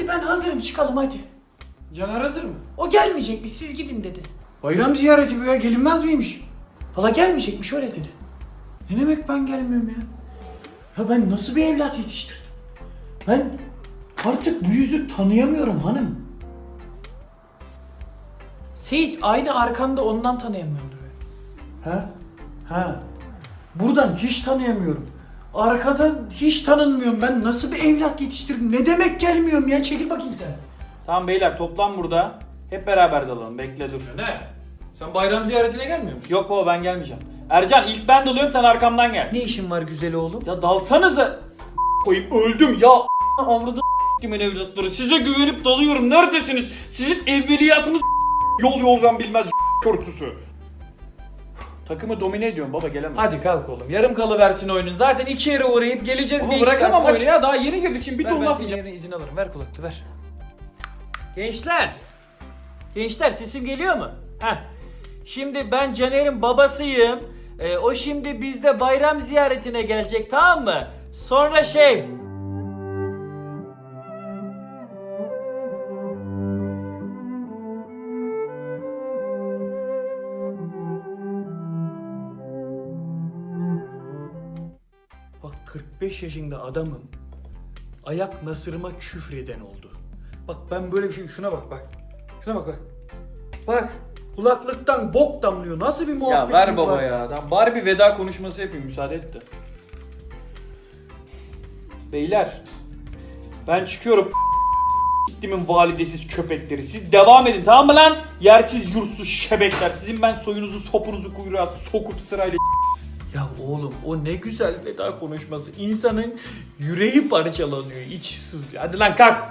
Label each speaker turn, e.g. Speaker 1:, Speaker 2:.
Speaker 1: Hadi ben hazırım, çıkalım hadi.
Speaker 2: Caner hazır mı?
Speaker 1: O gelmeyecekmiş, siz gidin dedi.
Speaker 2: Bayram ziyareti bu ya, gelinmez miymiş?
Speaker 1: Valla gelmeyecekmiş, öyle dedi.
Speaker 2: Ne demek ben gelmiyorum ya?
Speaker 1: Ya ben nasıl bir evlat yetiştirdim? Ben artık bu yüzü tanıyamıyorum hanım. Seyit aynı arkanda, ondan tanıyamıyordur.
Speaker 2: Ha? Ha. Buradan hiç tanıyamıyorum. Arkadan hiç tanınmıyorum. Ben nasıl bir evlat yetiştirdim? Ne demek gelmiyorum ya? Çekil bakayım sen.
Speaker 3: Tamam beyler, toplan burada. Hep beraber dalalım. Bekle dur.
Speaker 2: Ne? Sen bayram ziyaretine gelmiyor musun?
Speaker 3: Yok baba, ben gelmeyeceğim. Ercan, ilk ben dalıyorum, sen arkamdan gel.
Speaker 1: Ne işin var güzel oğlum?
Speaker 3: Ya dalsanıza. Koyup öldüm ya. Avradı kimin evlatları. Size güvenip dalıyorum. Neredesiniz? Sizin evveliyatınız yol yoldan bilmez körtüsü. Takımı domine ediyorum baba, gelemem.
Speaker 2: Hadi kalk oğlum. Yarım kalıversin oyunun. Zaten 2 yere uğrayıp geleceğiz.
Speaker 3: Baba
Speaker 2: bir iki
Speaker 3: bırakamam
Speaker 2: saat.
Speaker 3: oyunu ya. Daha yeni girdik şimdi bir
Speaker 2: Ver,
Speaker 3: ton
Speaker 2: ben
Speaker 3: laf
Speaker 2: senin
Speaker 3: yiyeceğim.
Speaker 2: yerine izin alırım. Ver kulaklığı ver.
Speaker 3: Gençler. Gençler, sesim geliyor mu? Heh. Şimdi ben Caner'in babasıyım. O şimdi bizde bayram ziyaretine gelecek, tamam mı? Sonra
Speaker 1: Bak 45 yaşında adamım. Ayak nasırıma küfreden oldu. Bak ben böyle bir şey, şuna bak bak. Şuna bak bak. Bak kulaklıktan bok damlıyor. Nasıl bir
Speaker 3: Ya
Speaker 1: muhabbetimiz
Speaker 3: ver baba
Speaker 1: var?
Speaker 3: ya. Tamam, bari bir veda konuşması yapayım, müsaade et de. Beyler, ben çıkıyorum. Gittimin validesiz köpekleri. Siz devam edin, tamam mı lan? Yersiz yurtsuz şebekler. Sizin ben soyunuzu sopunuzu kuyruğa sokup sırayla.
Speaker 1: Ya oğlum o ne güzel veda konuşması. İnsanın yüreği parçalanıyor, içi sızlıyor. Hadi lan kalk.